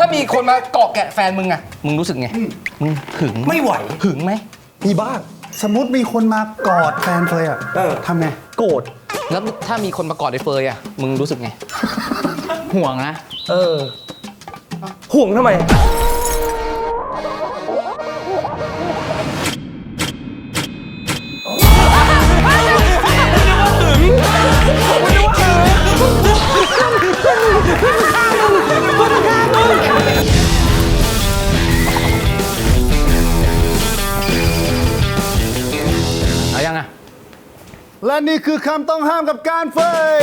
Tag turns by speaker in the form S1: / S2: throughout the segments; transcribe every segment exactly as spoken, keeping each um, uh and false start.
S1: มีคนมาเกาะแกะแฟนมึงอะมึงรู้สึกไงมึงหึง
S2: ไม่ไหว
S1: หึงไหม
S2: มีบ้าง
S3: สมมติมีคนมากอดแฟนเฟยอ่ะทำไง
S2: โกรธ
S1: แล้วถ้ามีคนมากอดไอ้เฟยอะมึงรู้สึกไง
S4: ห่วงนะ
S2: เออห่วงทำไม
S1: เอายังอะ
S3: และนี่คือคำต้องห้ามกับการเฟย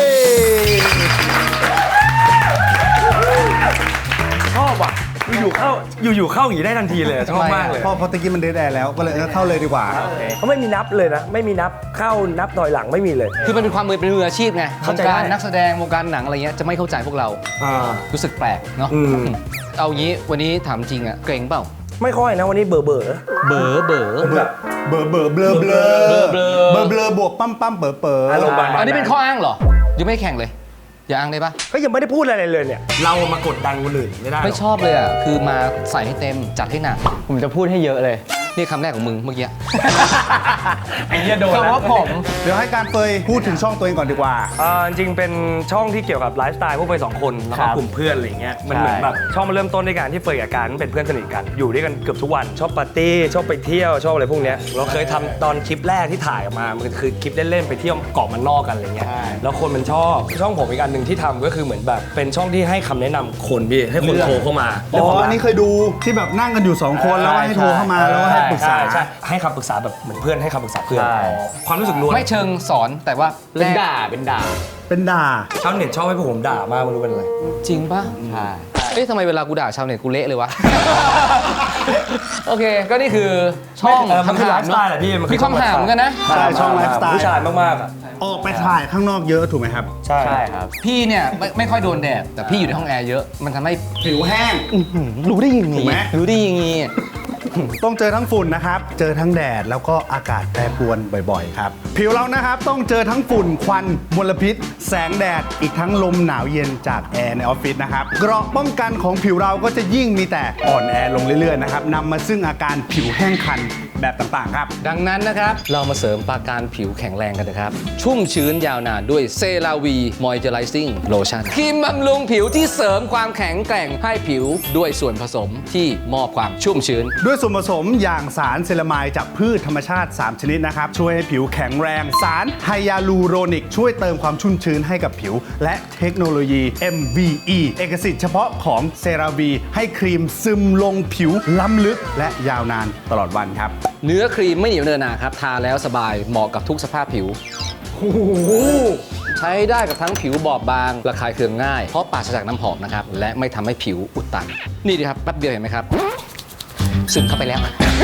S2: ชอบอ่ะอยู่ๆเข้าอยู่ๆเข้าอย่างนี้ได้ทันทีเลยชอบมากเลย
S3: พอพอตะกี้มันเดทแอร์แล้วก็เลยเออเข้าเลยดีกว่า
S2: เขาไม่มีนับเลยนะไม่มีนับเข้านับถอยหลังไม่มีเลย
S1: คือมันเป็นความมือเป็นมืออาชีพไงวงการนักแสดงวงการหนังอะไรเงี้ยจะไม่เข้าใจพวกเรารู้สึกแปลกเนาะเอางี้วันนี้ถามจริงอะเกรงเปล่า
S2: ไม่ค่อยนะวันนี้เบอร์เบอร์
S1: เบอร์เบอร์
S3: แบบเบอร์เบอร์เบลอเบลอเบลอเบลอเบลอบวกปั๊มปั๊มเป๋อเป๋อ
S1: อันนี้เป็นข้ออ้างเหรอยังไม่แข่งเลยอย่าอ้างได้ปะ
S2: ก็ยังไม่ได้พูดอะไรเลยเนี่ยเรามากดดันคนอื่นไม่ได้
S1: ไม่ชอบเลยอ่ะคือมาใส่ให้เต็มจัดให้หนัก
S4: ผมจะพูดให้เยอะเลย
S1: นี่คำแรกของมึงเมื่อกี้
S2: ไอ้เหี้ยโดน
S4: คำว่าผม
S3: เดี๋ยวให้การเฟยพูดถึงช่องตัวเองก่อนดีกว่า
S2: อ่าจริงเป็นช่องที่เกี่ยวกับไลฟ์สไตล์พวกเฟยสองคนแล้วก็กลุ่มเพื่อนอะไรเงี้ยมันเหมือนแบบช่องมันเริ่มต้นด้วยการที่เฟยกับการเป็นเพื่อนสนิทกันอยู่ด้วยกันเกือบทุกวันชอบปาร์ตี้ชอบไปเที่ยวชอบอะไรพวกเนี้ยเราเคยทำตอนคลิปแรกที่ถ่ายออกมามันคือคลิปเล่นๆไปเที่ยวเกาะมันนอกกันอะไรเงี้ยแล้วคนมันชอบช่องผมอีกอันหนึ่งที่ทำก็คือเหมือนแบบเป็นช่องที่ให้คำแนะนำคนพี่ให้คนโทรเข้ามา
S3: อ๋ออันนี้เคยดูที่แบบนั่งกันอยู่สองคนแล้วให้โทรเข้ามาแล้วให้ปรึกษา
S2: ใช่ให้คำปรึกษาแบบเหมือนเพื่อนให้คำปรึกษาเพื่อนความรู้สึกล้วน
S1: ไม่เชิงสอนแต่ว่า
S4: เป็นด่าเป็นด่า
S3: เป็นด่า
S2: ชาวเน็ตชอบให้พวกผมด่ามากไม่รู้เป็นอะไร
S1: จริงป่ะ
S4: ใช่
S1: เอ๊ะทำไมเวลากูด่าชาวเน็ตกูเละเลยวะโอเคก็นี่คือช่อง
S2: ทำคือไลฟ์สไตล์แหละพี่
S1: มีความห่างเหมือนกันนะ
S3: ใช่ช่องไลฟ์สไตล์
S2: ผู้ชายมากๆอ่ะ
S3: ออกไปถ่ายข้างนอกเยอะถูกไหมครับ
S2: ใช่
S4: ครับ
S1: พี่เนี่ยไม่ไม่ค่อยโดนแดดแต่พี่อยู่ในห้องแอร์เยอะมันทำให้
S3: ผิวแห้ง
S1: รู้ได้ยังไงรู้ได้ยังไง
S3: ต้องเจอทั้งฝุ่นนะครับเจอทั้งแดดแล้วก็อากาศแปรปรวนบ่อยๆครับผิวเรานะครับต้องเจอทั้งฝุ่นควันมลพิษแสงแดดอีกทั้งลมหนาวเย็นจากแอร์ในออฟฟิศนะครับเกราะป้องกันของผิวเราก็จะยิ่งมีแต่อ่อนแอลงเรื่อยๆนะครับนำมาซึ่งอาการผิวแห้งคันแบบต่างๆครับ
S1: ดังนั้นนะครับเรามาเสริมปราการผิวแข็งแรงกันนะครับชุ่มชื้นยาวนานด้วยเซราวีมอยเจอไรซิ่งโลชั่นครีมบำรุงผิวที่เสริมความแข็งแกร่งให้ผิวด้วยส่วนผสมที่มอบความชุ่มชื้น
S3: ด้วยส่วนผสมอย่างสารเซรามายจากพืชธรรมชาติสามชนิดนะครับช่วยให้ผิวแข็งแรงสารไฮยาลูโรนิกช่วยเติมความชุ่มชื้นให้กับผิวและเทคโนโลยี เอ็ม วี อี เอกสิทธิ์เฉพาะของเซราวีให้ครีมซึมลงผิวล้ำลึกและยาวนานตลอดวันครับ
S1: เนื้อครีมไม่เหนียวเนอะหนาครับทาแล้วสบายเหมาะกับทุกสภาพผิวใช้ได้กับทั้งผิวบอบบางระคายเคืองง่ายเพราะปราศจากน้ำหอมนะครับและไม่ทำให้ผิวอุดตันนี่ดีครับแป๊บเดียวเห็นไหมครับซึมเข้าไปแล้ว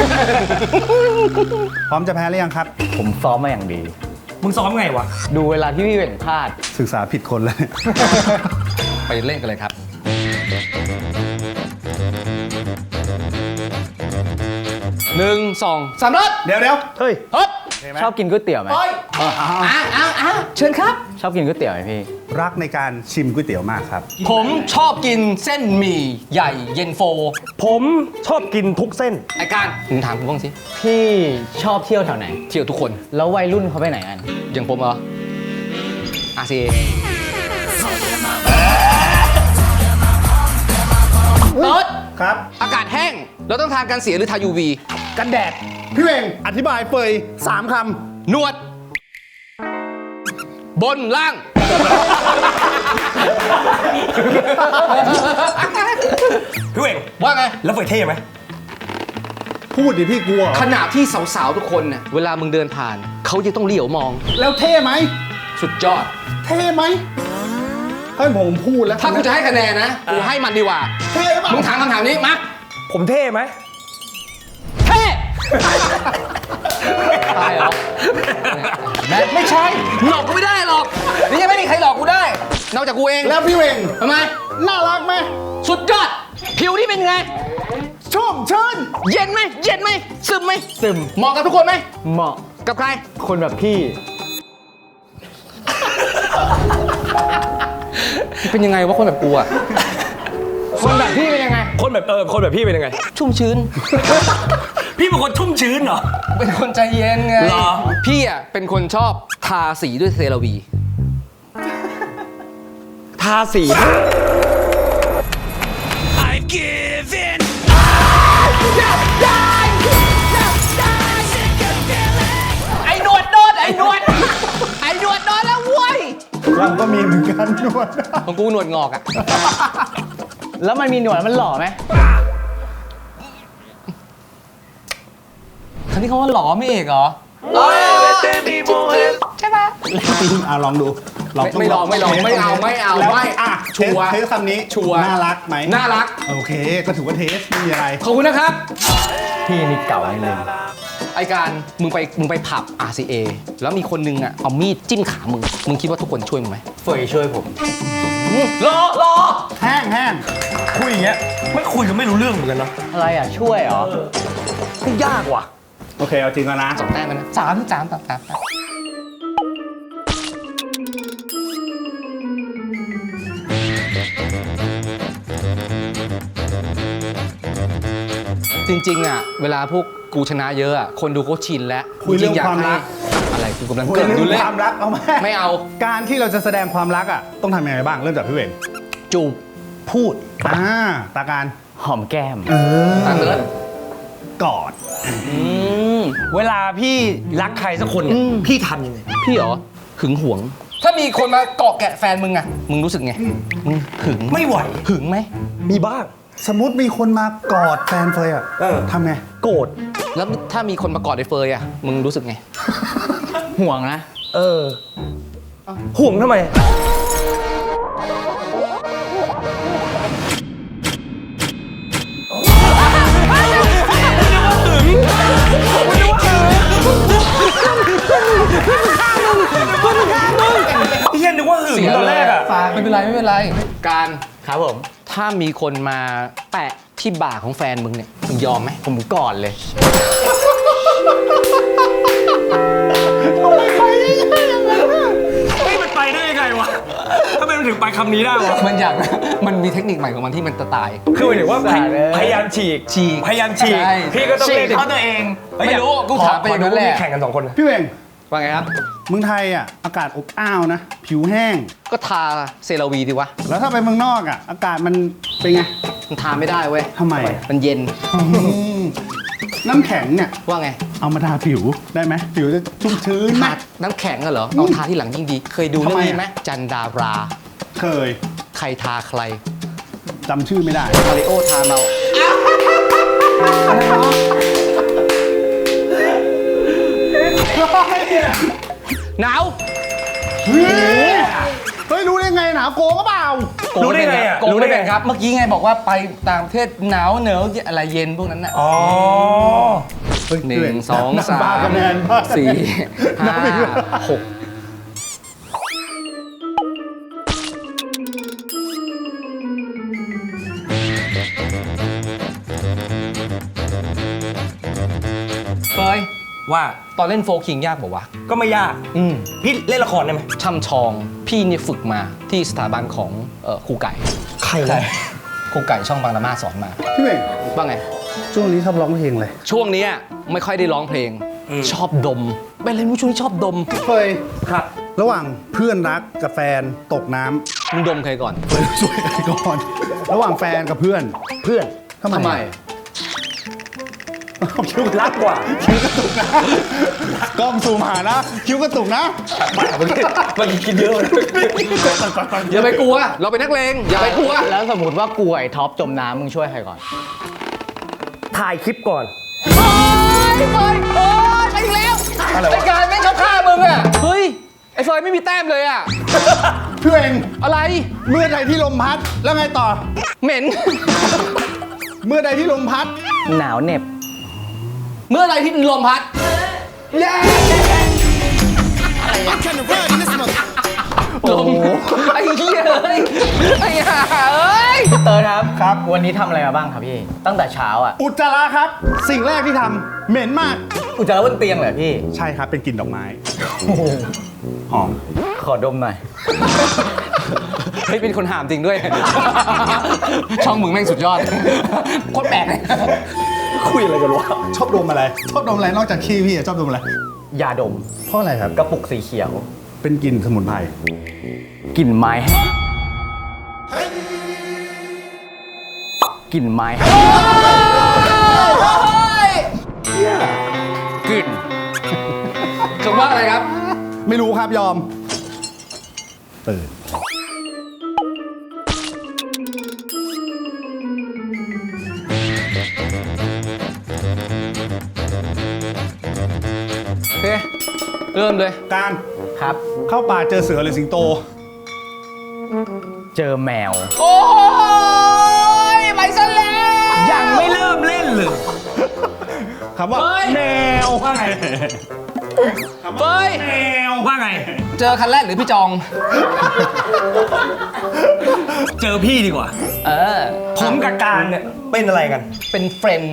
S3: พร้อมจะแพ้หรือยังครับ
S4: ผมซ้อมมาอย่างดี
S2: มึงซ้อมไงวะ
S4: ดูเวลาที่พี่เว่งพลาด
S3: ศึกษาผิดคนเลย
S1: ไปเล่นกันเลยครับหนึ่งสองสามรถ
S3: เดี๋ยวเดี๋ยว
S2: เฮ้ย
S1: ฮึบ
S4: ชอบกินก๋วยเตี๋ยวไหม
S1: อ้อ้าวอ้าวเชิญครับ
S4: ชอบกินก๋วยเตี๋ยวไหมพี่
S3: รักในการชิมก๋วยเตี๋ยวมากครับ
S1: ผมชอบกินเส้นหมี่ใหญ่เย็นโฟ
S2: ผมชอบกินทุกเส้น
S1: ไอ้การมึงถามกูบ้างสิ
S4: พี่ชอบเที่ยวแถวไหน
S1: เที่ยวทุกคน
S4: แล้ววัยรุ่นเขาไปไหนกัน
S1: อย่างผมเหรออาซีรถ
S3: ครับ
S1: อากาศแห้งเราต้องทานกันเสียหรือทา ยู วี
S3: กันแดดพี่เวงอธิบายเฟยสามค
S1: ำหนวดบนล่าง
S2: พี่เวง
S1: ว่าไง
S2: แล้วเฟยเท่ไหม
S3: พูดดิพี่กลัว
S1: ขณะที่สาวๆทุกคนเนี่ยเวลามึงเดินผ่านเขาจะต้องเหลียวมอง
S3: แล้วเท่ไหม
S1: สุดยอด
S3: เท่ไหมให้ผมพูดแล้ว
S1: ถ้ากูจะให้คะแนนนะกูให้มันดีกว่า
S3: เท่ป่ะ
S1: มึงถามคำถามนี้มา
S2: ผมเท่ไหม
S1: เท่ตายเหรอไม่ใช่หลอกกูไม่ได้หรอกนี่ยังไม่มีใครหลอกกูได้นอกจากกูเอง
S3: แล้วพี่เวง
S1: ทำไม
S3: น่ารักไหม
S1: สุดยอดผิวที่เป็นไง
S3: ชุ่มชื้น
S1: เย็นไหมเย็นไหมซึมไหม
S4: ซึม
S1: เหมาะกับทุกคนไหม
S4: เหมาะ
S1: กับใคร
S4: คนแบบพี่
S1: เป็นยังไงวะคนแบบกูอะ
S4: คนแบบพี่เป็นยังไง
S2: แบบเออคนแบบพี่เป็นยังไง
S1: ชุ่มชื้น
S2: พี่เป็นคนชุ่มชื้นเหรอ
S1: เป็นคนใจเย็นไง
S2: เหรอ
S1: พี่อ่ะเป็นคนชอบทาสีด้วยเซราวี
S2: ทาสี
S1: ไอ้หนวดโดนไอ้หนวด ไอ้หนวดโดนแล้วเว้ย
S3: เราก็มีเหมือนกันนวด
S1: ของกูหนวดงอกอ่ะ
S4: แล้วมันมีหนวดมันหล่อไหม
S1: คันนี้เขาว่าหล่อไม่เอกเหรอ ใช่ปะ
S3: จริงอ่ะลองดูเรา
S1: ไม่
S3: ต้
S1: ไม่ลองไม่ลองไม่เอาไม่เอา
S3: แล้ว
S1: ไม่
S3: อ่ะ
S1: ชัวร์
S3: เทสคำนี้
S1: ชัวร์
S3: น่ารักไหม
S1: น่ารัก
S3: โอเค ก็ถือว่าเทสไม่มีอะไร
S1: ขอบคุณนะครับ
S4: พี่นี่เก่าให้เลย
S1: ไอการมึงไปมึงไปผับ อาร์ ซี เอ แล้วมีคนนึงอ่ะเอามีดจิ้มขามึง มึงคิดว่าทุกคนช่วยมึงไหม
S4: เฟยช่วยผม
S1: รอรอ
S3: แห้งแห้ง
S2: คุยอย่างเงี้ยไม่คุยกันไม่รู้เรื่องเหมือนกันเนาะ
S4: อะไรอ่ะ ช่วยเหรอ
S2: ไม่ยากว่ะ
S3: โอเคเอาจริงแล้วนะ
S1: สองแต้มแล้วนะสามสามสามสามจริงๆอ่ะเวลาพวกกูชนะเยอะอ่ะคนดูเขาชินแล้ว
S3: คุยเรื่อง
S1: จๆ
S3: ความรัก
S1: ให้อะไรกูกำลัง
S3: คุย
S1: เกิด
S3: เรื่
S1: ดู
S3: อง
S1: เลย
S3: ความรักเอาไหม
S1: ไม่เอา
S3: การที่เราจะแสดงความรักอ่ะต้องทำยังไงบ้างเริ่มจากพี่เวง
S1: จูบ
S3: พูดอ่าตาการ
S4: หอมแก้ม
S1: ตาเลิศ
S3: กอด
S2: เวลาพี่รักใครสักคนเนี่ยพี่ทำยังไง
S1: พี่เหรอหึงหวง ถ้ามีคนมาเกาะแกะแฟนมึงอ่ะมึงรู้สึกไงมึงหึง
S2: ไม่ไหว
S1: หึงไหม
S2: มีบ้าง
S3: สมมติมีคนมากอดแฟนเฟยอ่ะ
S2: เออ
S3: ทำไง
S2: โกรธ
S1: แล้วถ้ามีคนมากอดไอ้เฟยอ่ะมึงรู้สึกไง
S4: ห่วงนะ
S2: เออห่วงทำไม เฮียนึกว่าหึงตอนแรกอะ
S1: ไม่เป็นไรไม่เป็นไร การ
S4: ครับผม
S1: ถ้ามีคนมาแปะที่บ่าของแฟนมึงเนี่ยมึงยอมไหม
S4: ผมก่อนเลย
S2: เฮ้ยมันไปได้ยังไงวะทำไมมันถึงไปคำนี้ได้วะ
S1: มันอยากมันมีเทคนิคใหม่ของมันที่มันจะตาย
S2: คือหมายถึงว่าพย
S4: สาดเลย
S2: พยายามฉีก
S1: ฉีก
S2: พยายามฉีก
S1: ใช่
S2: พี่ก็ต้องเล่น
S1: ฉีก
S2: เขาตัวเอง
S1: ไม่รู้กูถามไปอย่างนั้นแหละ
S2: ขดูแข่งกันสองคนนะ
S3: พี่เวง
S1: ว่าไงครับ
S3: เมืองไทยอ่ะอากาศอบอ้าวนะ ผิวแห้ง
S1: ก็ทาเซราวีดีวะ
S3: แล้วถ้าไปเมืองนอกอ่ะ อากาศมันเป็นไง
S1: มันทาไม่ได้เว้ย
S3: ทำไม
S1: มันเย็น
S3: น้ำแข็งเนี่ย
S1: ว่าไง
S3: เอามาทาผิวได้ไหมผิวจะชุ่มชื้นไหม
S1: ทาน้ำแข็งอะเหรอเอาทาที่หลังยิ่งดี เคยดูเรื่องนี้ไหมจันดารา
S3: เคย
S1: ใครทาใคร
S3: จำชื่อไม่ได้
S1: มาริโอทาเมาหนาว
S3: เฮ้ยเฮ้ยรู้ได้ไงหนาวโกงก็เปล่า
S2: รู้ได้ไงอ่ะ
S1: โกงไม่เป็นครับ เมื่อกี้ไงบอกว่าไปต่างประเทศหนาวเหนืออะไรเย็นพวกนั้นน่ะ
S2: อ๋อ
S3: เฮ้ย
S1: หนึ่งสองสา
S3: บ้
S1: ม
S3: คะแนนบ้าคะแนน
S1: สี่
S3: นั
S1: ห้า
S3: บอีกแล้ว
S1: หกเฟย
S2: ว่า
S1: ตอนเล่นโฟคิงยากบอกว่าวะ
S2: ก็ไม่ยาก
S1: อืม
S2: พี่เล่นละครได้ไหม
S1: ช่ำชอง พี่เนี่ยฝึกมาที่สถาบันของเอ่อครูไก่
S2: ใคร
S1: ครูไก่ช่องบางละมาสอนมา
S3: พี่เวง
S1: ว่าไง
S3: ช่วงนี้ชอบร้องเพลงเลย
S1: ช่วงเนี้ยไม่ค่อยได้ร้องเพลง ชอบดมเป็นอะไรไม่รู้ช่วงนี้ชอบดม
S3: เคย
S2: ครับ
S3: ระหว่างเพื่อนรักกับแฟนตกน้ำ
S1: มึงดมใครก่อน
S3: เฮ้ยช่วยกันก่อน ระหว่างแฟนกับเพื่อน
S2: เพื่อน
S3: ทำไม
S1: ทำไม
S3: คิ้ว
S2: รักกว่า
S3: คิ้วกระตุกนะกล้องซูมหานะคิ้วกระตุกนะ
S2: มันกินเยอะเลย
S1: อย่าไปกลัว เราเป็นนักเลงอย่าไปกลัว
S4: แล้วสมมติว่ากูไอ้ท็อปจมน้ำมึงช่วยใครก่อน
S2: ถ่ายคลิปก่อน
S1: เฮ้ยเฟยโอ้ยไปอีกแล้ว
S2: อะไรวะ
S1: ไอ้การไม่ชอบฆ่ามึงอ่ะ เฮ้ย ไอ้เฟยไม่มีแต้มเลยอ่ะ
S3: พี่เวง
S1: อะไร
S3: เมื่อใดที่ลมพัดแล้วไงต่อ
S1: เหม็น
S3: เมื่อใดที่ลมพัด
S4: หนาวเหน็บ
S1: เมื่อไรที่ลมพัดลมไอ้เหี้ยเลยไอ้ห่าเอ้ย
S4: เติร์ดครับ
S3: ครับ
S4: วันนี้ทำอะไรมาบ้างครับพี่ ตั้งแต่เช้าอ่ะ
S3: อุจจาระครับ สิ่งแรกที่ทำเหม็นมาก
S4: อุจจาระบนเตียงเหรอพี่
S3: ใช่ครับเป็นกลิ่นดอกไม้หอม
S4: ขอดมหน่อย
S1: เฮ้ยเป็นคนหามจริงด้วย ช่องมึงแม่งสุดยอดโคตรแปลกเลย
S2: คุยอะไรกันวะ
S3: ชอบดมอะไร ชอบดมอะไรนอกจากขี้พี่อะชอบดมอะไร
S4: ยาดม
S3: เพราะอะไรครับ
S4: กระปุกสีเขียว
S3: เป็นกลิ่นสมุนไพร
S4: กลิ่นไม้แห้งกลิ่นไม้แห้ง
S1: กลิ่นคำว่าอะไรครับ
S3: ไม่รู้ครับยอมตื่น
S1: โอเค เริ่มเลย
S3: การ
S4: ครับ
S3: เข้าป่าเจอเสือหรือสิงโต
S4: เจอแมว
S1: โอ้ยไปซะแล้ว
S2: ยังไม่เริ่มเล่นเลย
S3: คำว่า
S1: เฮ้ย
S3: แมว
S2: ว่าไง
S1: เฮ้ย
S3: แมว
S2: ว่าไง
S1: เจอคันแรกหรือพี่จอง
S2: เจอพี่ดีกว่า
S1: เออ
S2: ผมกับการเนี่ยเป็นอะไรกัน
S1: เป็นเฟรนด์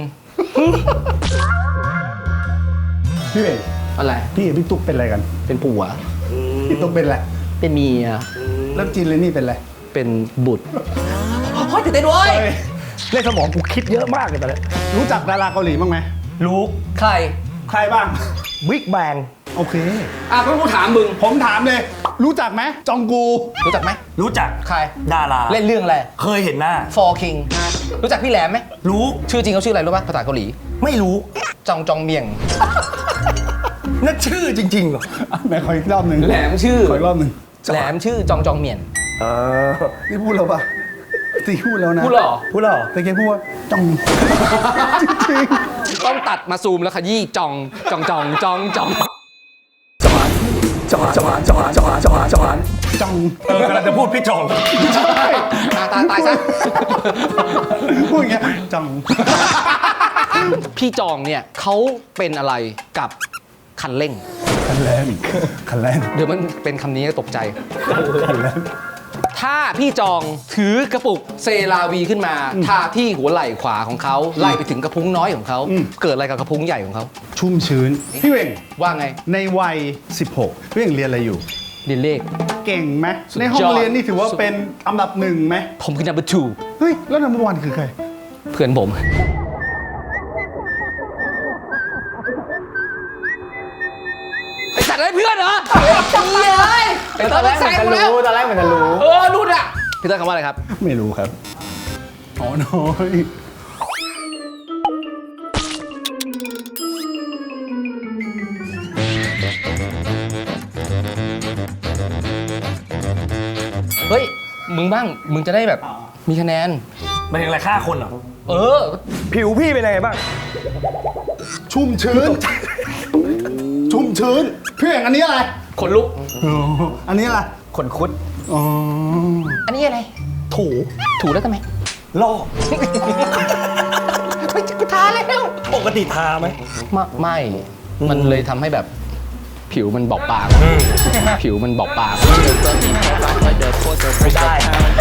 S3: พี่เอก
S1: อะไร
S3: พี่กับพี่ตุ๊กเป็นอะไรกัน
S1: เป็นผัว
S3: พี่ตุ๊กเป็นอะไร
S1: เป็นเมีย
S3: แล้วจีนเลยนี่เป็นอะไร
S1: เป็นบุตรเฮ้ยตื่นเต้นด้วย
S3: เฮ้ย
S2: เล่นสมองกูคิดเยอะมากเลยตอนนี้
S3: รู้จักดาราเกาหลีบ้างไหม
S2: รู้
S1: ใคร
S3: ใครบ้าง
S2: บิ๊กแบง
S3: โอเค
S1: อ่ะก็กูถามมึง
S3: ผมถามเลย รู้จักไหมจองกู
S1: รู้จักไหม
S2: รู้จัก
S1: ใคร
S2: ดารา
S1: เล่นเรื่องอะไร
S2: เคยเห็นหน้า
S1: For King รู้จักพี่แหลมไหม
S2: รู้
S1: ชื่อจริงเขาชื่ออะไรรู้ป่ะภาษาเกาหลี
S2: ไม่รู้
S1: จองจองเมียง
S2: นั่นชื่อจริงๆเหรอ
S3: ไหนขออีกรอบหนึ่ง
S1: แหลมชื่อ
S3: ขออีกรอบหนึ่ง
S1: แหลมชื่อจองจองเมียน
S2: เออ
S3: นี่พูดแล้วปะตีพูดแล้วนะ
S1: พูดเหรอ
S2: พูดเหรอ
S3: แต่แกพูดว่าจอง จริง
S1: ต้องตัดมาซูมแล้วขยี้จองจองจองจองจอง
S2: จอดจอดจอดจอดจอดจอด
S3: ๆจอง
S2: เออกำลังจะพูดพี่จอง
S1: ตายตายตายซะ
S3: พูดอย่างเงี้ยจอง
S1: พี่จองเนี่ยเขาเป็นอะไรกับคันเร่ง
S3: คันแรกคันแรก
S1: เดี๋ยวมันเป็นคำนี้ตกใจ
S3: คันแรก
S1: ถ้าพี่จองถือกระปุกเซราวีขึ้นมาทาที่หัวไหล่ขวาของเขาไล่ไปถึงกระพุ้งน้อยของเขา เกิดอะไรกับกระพุ้งใหญ่ของเขา
S3: ชุ่มชื้น พี่เวง
S1: ว่าไง
S3: ในวัย สิบหก พี่เวงเรียนอะไรอยู่
S1: เรียนเลข
S3: เก่งไหม
S1: สุดยอด
S3: ในห้องเรียนนี่ถือว่าเป็นอันดับหนึ่งไหม
S1: ผมคือ number two
S3: เฮ้ย แล้วนัมเบอร์วันคือใคร
S1: เพื่อนผม ไอสัตว์อะไรเพื่อนเหรอเฮ้ยไอ
S4: ต
S1: ต
S4: อ
S1: อน น
S4: แร
S1: แร
S4: ก
S1: ก
S4: เหมื
S1: แซ
S4: อน
S1: ง
S4: จะ
S1: กูแล้ว
S4: รู้ ตอนแรกเหมือนจะรู้
S1: เออรุ่นอ่ะพี่เตอร์คำว่าอะไรครับ
S3: ไม่รู้ครับ อ๋อน้อย
S1: เฮ้ย มึงบ้าง มึงจะได้แบบ มีคะแนน
S2: มันยังไรฆ่าคนเหรอ
S1: เออ
S2: ผิวพี่เป็นยังไงบ้าง
S3: ชุ่มชื้น ชุ่มชื้น พี่เวงอันนี้อะไร
S1: ขนลุก
S3: อ๋ออันนี้อะไร
S4: ขนคุด
S3: อ๋อ
S1: อันนี้อะไร
S2: ถู
S1: ถูแล้วทำไม
S2: ลอก
S1: ไม่กูทาแล้ว
S2: ปกติทาไหม
S1: ไม่ไม่ มันเลยทำให้แบบผิวมันบอบบาง ผิวมันบอบบาง
S2: ไม่ได้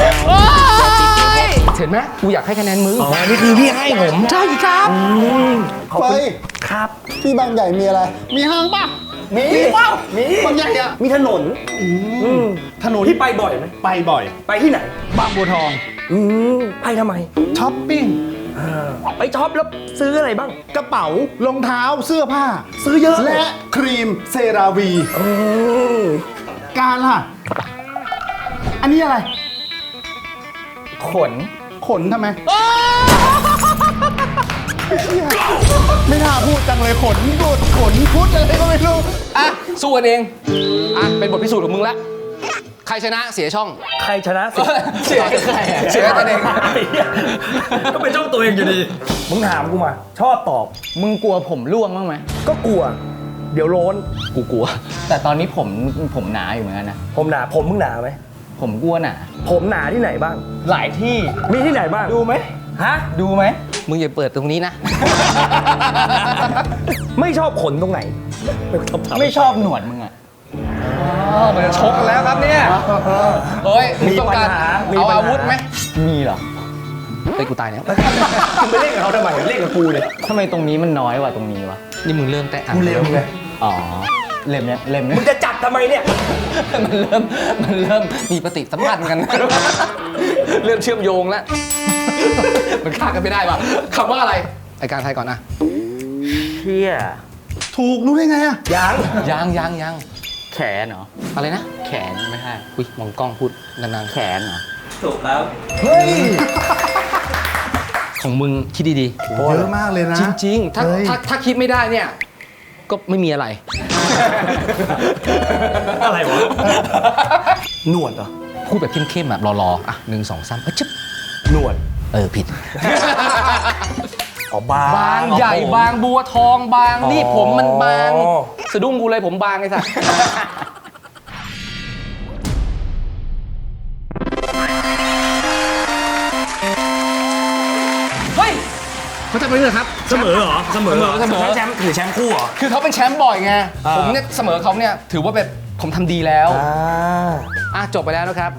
S1: เห็นไหมกูอยากให้คะแนนมึง
S2: อ๋อ นี่คือพี่ให้ผม
S1: ใช่ครับ
S2: ขอบ
S3: ไป
S2: คุณครับ
S3: ที่บางใหญ่มีอะไร มีห้างป่ะ
S2: มี
S3: มีเปล่า
S2: มี
S3: บางใหญ่อะ
S2: มีถนน
S3: อืมถนน
S2: พี่ไปบ่อยไหม
S3: ไปบ่อย
S2: ไปที่ไหน
S3: บางบัวทอง
S2: อืมไปทำไม
S3: ช้อปปิ้ง
S2: ไปช็อปแล้วซื้ออะไรบ้าง
S3: กระเป๋ารองเท้าเสื้อผ้า
S2: ซื้อเยอะ
S3: และครีมเซราวี
S2: อืม
S3: การล่ะ อันนี้อะไร
S4: ขน
S3: ขนทำไม ไม่น่าพูดจังเลยขนพูดขนพูดอะไรก็ไม่รู้
S1: อ่ะ สู้กันเอง อ่ะ เป็นบทพิสูจน์ของมึงละ ใครชนะเสียช่อง
S2: ใครชนะสิ
S1: เสียใครเสียตัวเอง
S2: ก็เป็นช่องตัวเองอยู่ดี มึงถามกูมา ชอบตอบ
S4: มึงกลัวผมร่วงบ้างไหม
S2: ก็กลัว เดี๋ยวโล้น
S1: กูกลัว
S4: แต่ตอนนี้ผมผมหนาอยู่เหมือนกันนะ
S2: ผมหนา ผมมึงหนาไหม
S4: ผมกลัวหนา
S2: ผมหนาที่ไหนบ้าง
S4: หลายที่
S2: มีที่ไหนบ้าง
S4: ดูไหม
S2: ฮะ
S4: ดูไหม
S1: มึงอย่าเปิดตรงนี้นะ
S2: ไม่ชอบขนตรงไหน ไม่ชอบทำ
S4: ไม่ชอบหนวดมึงอะ
S1: อ๋อมันจะชกกันแล้วครับเนี่ย เฮ้ยมึงต้องการ
S2: มีปัญหามี
S1: เอา
S2: ปัญหา
S1: อาวุธไหม
S4: มีเหรอ
S1: เฮ้ยกูตายแล้ว
S2: มึงไปเล่นกับเขาทำไมเล่นกับกูเลย
S4: ทำไมตรงนี้มันน้อยกว่าตรงนี้วะ
S1: นี่มึงเริ่มแต่อ่าน
S2: กูเร็วไง
S4: อ๋อ เล็มเนี่ยเล็มเนี่
S2: มึ
S4: ย
S2: งจะจับทำไมเนี่ย
S1: มันเริ่มมันเริ่มมีปฏิสัมพันธ์กัน เริ่มเชื่อมโยงแล้ว มันฆ่ากันไม่ได้ว่ะคำว่าอะไรไอการไทยก่อนนะ
S2: เชี่ย
S3: ถูกรู้ได้ไงอะ
S2: ยัง
S1: ยังยังยัง
S4: แขนเหรอ
S1: อะไรนะ
S4: แขนไม่ใช่
S1: อุ้ยมองกล้องพูดนาน
S4: แขนเหรอ
S2: ถูกครับ
S3: เฮ้ย
S1: ๆของมึงคิดดี
S3: เยอะมากเลยนะ
S1: ๆ จริง ๆ ถ้า
S3: เฮ้ย
S1: ถ้าถ้าคิดไม่ได้เนี่ย ก็ไม่มีอะไร
S2: อะไรวะ หนวดเหรอ
S1: พูดแบบเข้มๆแบบรอๆอ่ะหนึ่งสองสามเอ้ยจึ๊บ
S2: หนวด
S1: เออผิด
S2: อ๋อบาง
S1: บางใหญ่บางบัวทองบางนี่ผมมันบาง
S2: อ๋อ
S1: สะดุ้งกูเลยผมบางไอ้สัส เฮ้ยเขาจะไปเรื่อยครับ
S2: เสมอเหรอ เสมอเหรอ
S1: เสมอ
S2: แชมป์ถือแชมป์คู่เหรอ
S1: คือเขาเป็นแชมป์บ่อยไง
S2: อ่า
S1: ผมเนี่ยเสมอเขาเนี่ยถือว่าเป็นผมทำดีแล้ว
S2: อ่า
S1: อ่ะจบไปแล้วนะครับ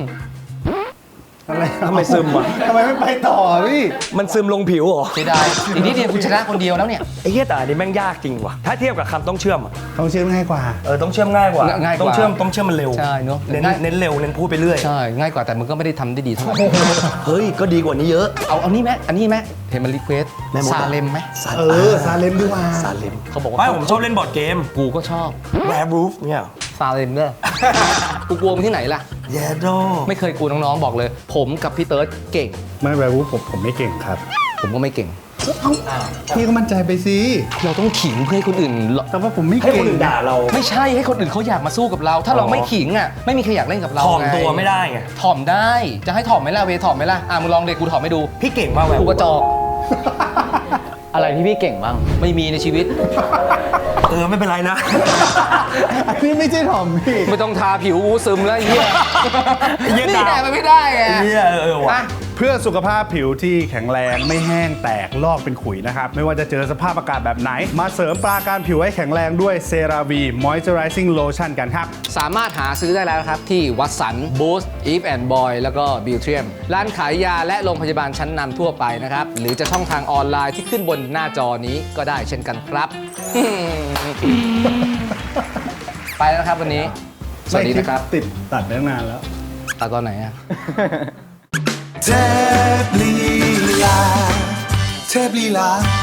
S3: อะไร
S2: ทำไมซึมวะ
S3: ทำไมไม่ไปต่อพี่
S2: มันซึมลงผิวเหรอ
S1: เสียดายอีกนิดเดียวคุณชนะคนเดียวแล้วเนี่ย
S2: ไอ้เหี้ยแต่อันนี้แม่งยากจริงว่ะ ถ้าเทียบกับคำต้องเชื่อมอะ
S3: ต้องเชื่อมง่ายกว่า
S2: เออต้องเชื่อมง่ายกว่า
S1: ง่ายกว่า
S2: ต้องเชื่อมต้องเชื่อมมันเร็ว
S1: ใช่เนอะ
S2: เน้น
S1: ง่าย
S2: เน้นเร็วเน้นพูดไปเรื่อย
S1: ใช่ ง่ายกว่าแต่มึงก็ไม่ได้ทำได้ดีเท่าไหร่
S2: เฮ้ย ก็ดีกว่านี้เยอะ
S1: เอาเอานี่ไหมอันนี้ไหมเห็นมันรีเควส
S2: แม่มดอะ
S1: ซาเลมไหม
S3: เออ ซาเลมดีกว่า
S2: ซาเลม
S1: เขาบอกว่า
S2: ไม่ผมชอบเล่นบอร์ดเกม
S1: กูก็ชอบ
S2: แวร์รูฟเนี่ย
S1: ซาเลมเด้อ กูกลัวมึงที่ไหนล่ะ
S2: แยโด
S1: ไม่เคยกลัวน้องๆบอกเลย ผมกับพี่เติร์ดเก่ง
S3: ไม่แวร์วูฟผมผมไม่เก่งครับ
S1: ผมก็ไม่เก่ง
S3: พี่ก็มั่นใจไปสิ
S1: เราต้องขิงเพื่อให้คนอื่น
S3: แต่ว่าผมไม่
S2: ให้ค
S3: เก่
S2: น
S3: ง
S2: อื่นด่าเรา
S1: ไม่ใช่ให้คนอื่นเขาอยากมาสู้กับเรา ถ้าเรา
S2: อ๋อ
S1: ไม่ขิงอ่ะไม่มีใครอยากเล่นกับเรา
S2: ถ่อม
S1: ไง
S2: ตัวไม่ได้ไง
S1: ถ่อมได้ จะให้ถ่อมไหมล่ะเวถ่อมไหมล่ะอ่ะมึงลองเด็กกูถ่อมให้ดู
S2: พี่เก่งมากแวร์
S1: กู
S2: รูฟ
S1: กระจอก
S4: อะไรที่พี่เก่งบ้าง
S1: ไม่มีในชีวิต
S2: เออ ไม่เป็นไรนะ
S3: อันนี้ไม่ใช่ถอมพี่
S1: ไม่ต้องทาผิวกูซึมแล้วไอ้เหี้ย
S2: เหี้ย
S1: นี่
S2: ดาว
S1: แหละมันไม่ได้ไง
S2: เหี้ยเออว่ะ
S1: อ่ะ
S3: เพื่อสุขภาพผิวที่แข็งแรงไม่แห้งแตกลอกเป็นขุยนะครับ ไม่ว่าจะเจอสภาพอากาศแบบไหน มาเสริมปราการผิวให้แข็งแรงด้วยเซราวีมอยเจอไรซิ่งโลชั่นกันครับ
S1: สามารถหาซื้อได้แล้วนะครับ ที่วัตสันบูสต์อีฟแอนด์บอยแล้วก็บิวเทียมร้านขายยาและโรงพยาบาลชั้นนำทั่วไปนะครับ หรือจะช่องทางออนไลน์ที่ขึ้นบนหน้าจอนี้ก็ได้เช่นกันครับ ไปแล้วนะครับวันนี้ สวัสดีนะครับ
S3: ติดตัดได้นานแล้ว
S1: ตาตอนไหนอะ
S5: เทพลีลาเทพลีลา